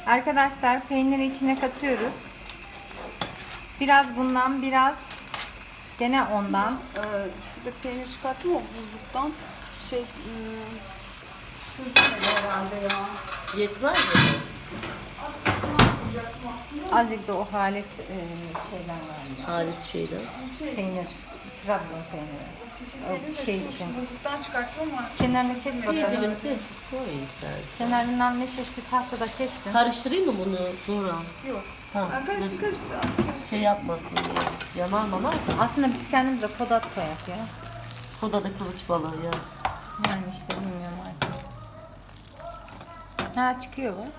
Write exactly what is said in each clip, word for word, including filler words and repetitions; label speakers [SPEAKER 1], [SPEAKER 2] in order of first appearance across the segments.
[SPEAKER 1] Arkadaşlar peyniri içine katıyoruz. Biraz bundan, biraz gene ondan.
[SPEAKER 2] Ee, şurada peynir çıkarttım o buzluktan. Şey, ıı, çözülmedi herhalde ya.
[SPEAKER 3] Yetmez mi?
[SPEAKER 1] Azıcık da o halis e, şeyler var ya.
[SPEAKER 3] Halis şeyden.
[SPEAKER 1] Peynir. Trabzon peyniri. O şey için.
[SPEAKER 2] Buzluktan çıkarttım ama
[SPEAKER 1] Kenarını kes
[SPEAKER 3] Bir
[SPEAKER 1] bakalım.
[SPEAKER 3] dilim kes. Koy istersen.
[SPEAKER 1] Kenarından ne şiş bir tahtada kessin.
[SPEAKER 3] Karıştırayım mı bunu Nurhan?
[SPEAKER 2] yok.
[SPEAKER 3] Ha.
[SPEAKER 2] Ha, karıştır karıştır. az karıştır.
[SPEAKER 3] Şey yapmasın diye. Yanar mı?
[SPEAKER 1] Aslında biz kendimiz de kodat koyak ya.
[SPEAKER 3] Koda da kılıç balığı yaz.
[SPEAKER 1] Yani işte bilmiyorum artık. Ha çıkıyor bu.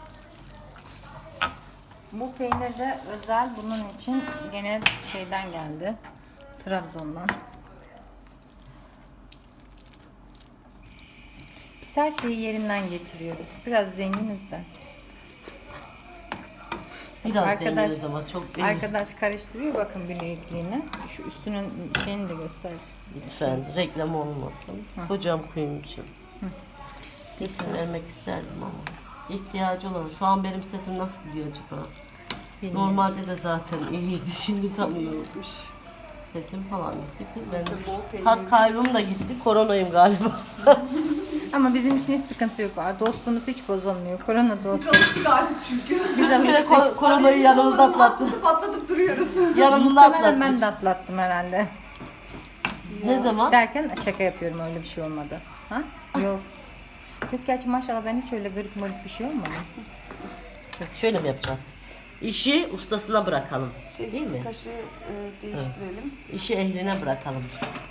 [SPEAKER 1] Bu peynir de özel bunun için gene şeyden geldi. Trabzon'dan. Biz her şeyi yerinden getiriyoruz. Biraz zenginiz de.
[SPEAKER 3] Biraz
[SPEAKER 1] Arkadaş-
[SPEAKER 3] deniyoruz ama çok değil.
[SPEAKER 1] Arkadaş karıştırıyor bakın bilekliğini. Şu üstünün şeyini de göster.
[SPEAKER 3] Lütfen reklam olmasın.
[SPEAKER 1] Hı.
[SPEAKER 3] Kocam kuyumcu. İsim vermek isterdim ama. İhtiyacı olan. Şu an benim sesim nasıl gidiyor acaba?
[SPEAKER 1] Bilmiyorum.
[SPEAKER 3] Normalde de zaten iyiydi. Şimdi sanıyorum.
[SPEAKER 2] Gitmiş.
[SPEAKER 3] Sesim falan gitti kız. Ben
[SPEAKER 2] Neyse, bol peynir.
[SPEAKER 3] tat kaybım da gitti. Koronayım galiba.
[SPEAKER 1] Ama bizim için hiç sıkıntı yok. Dostluğumuz hiç bozulmuyor. Korona dostu.
[SPEAKER 2] Alıştık artık çünkü.
[SPEAKER 1] Biz
[SPEAKER 3] Kaç kere
[SPEAKER 1] alıştık.
[SPEAKER 3] ko- koronayı yanımızda atlattık.
[SPEAKER 2] Atlatıp atlatıp duruyoruz.
[SPEAKER 3] Yanımızda
[SPEAKER 1] Muhtemelen ben
[SPEAKER 3] atlattık.
[SPEAKER 1] de atlattım herhalde.
[SPEAKER 3] Ne zaman?
[SPEAKER 1] Derken şaka yapıyorum, öyle bir şey olmadı. Ha? Yok. Yok gerçi maşallah ben hiç öyle garip marip bir şey olmadı.
[SPEAKER 3] Şöyle mi yapacağız? İşi ustasına bırakalım.
[SPEAKER 2] Şey,
[SPEAKER 3] Değil mi?
[SPEAKER 2] Kaşığı e, değiştirelim.
[SPEAKER 3] İşi ehline bırakalım.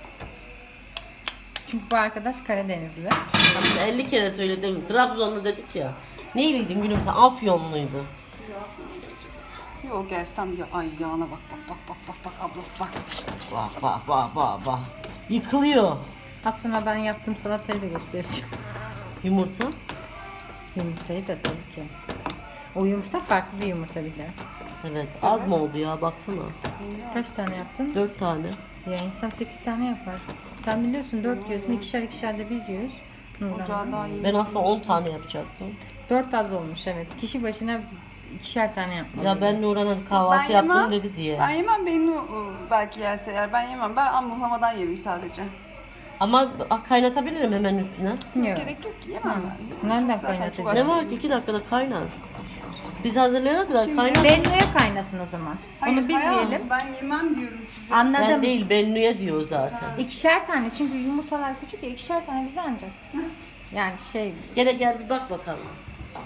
[SPEAKER 1] Çünkü bu arkadaş Karadenizli.
[SPEAKER 3] Aslında elli kere söyledim. Trabzonlu dedik ya. Neyliydin gülüm sen? Afyonluydu.
[SPEAKER 2] Yok gerçi tam ya, ay yağına bak bak bak bak bak bak ablası bak.
[SPEAKER 3] Bak bak bak bak bak. Yıkılıyor.
[SPEAKER 1] Az sonra ben yaptığım salatayı da göstereceğim.
[SPEAKER 3] Yumurta.
[SPEAKER 1] Yumurtayı da tabii ki. O yumurta farklı bir yumurta bir de.
[SPEAKER 3] Evet. Az mı oldu ya baksana.
[SPEAKER 1] Kaç tane yaptın?
[SPEAKER 3] Dört tane.
[SPEAKER 1] Ya insan sekiz tane yapar. Sen biliyorsun dört yiyorsun, ikişer ikişer de biz yiyoruz.
[SPEAKER 2] Ocağı daha iyi.
[SPEAKER 3] Ben aslında on tane yapacaktım.
[SPEAKER 1] Dört az olmuş evet. Kişi başına ikişer tane yapmalı.
[SPEAKER 3] Ya ben Nurhan'ın kahvaltı
[SPEAKER 2] Ben
[SPEAKER 3] yaptım
[SPEAKER 2] yemem.
[SPEAKER 3] dedi diye.
[SPEAKER 2] Ben yemem, beni o, belki yerse eğer ben yemem. Ben ammuhlamadan yerim sadece.
[SPEAKER 3] Ama kaynatabilirim hemen üstüne.
[SPEAKER 1] Yok.
[SPEAKER 2] Gerek yok ki yemem ben.
[SPEAKER 1] Nereden
[SPEAKER 2] Çok- zaten
[SPEAKER 1] kaynatacağız?
[SPEAKER 2] çok
[SPEAKER 3] Ne
[SPEAKER 2] aç
[SPEAKER 3] var
[SPEAKER 2] değilim.
[SPEAKER 3] ki iki dakikada kaynar. Biz hazırlayana kadar
[SPEAKER 2] Şimdi-
[SPEAKER 3] kaynar.
[SPEAKER 1] Bennu'ya kaynasın o zaman.
[SPEAKER 2] Hayır,
[SPEAKER 1] Onu biz
[SPEAKER 2] hayatım,
[SPEAKER 1] yiyelim.
[SPEAKER 2] ben yemem diyorum size.
[SPEAKER 1] Anladım.
[SPEAKER 3] Ben değil Bennu'ya diyor zaten.
[SPEAKER 1] İkişer tane çünkü yumurtalar küçük ya ikişer tane bize ancak. Yani şey
[SPEAKER 3] Gene gel bir bak bakalım.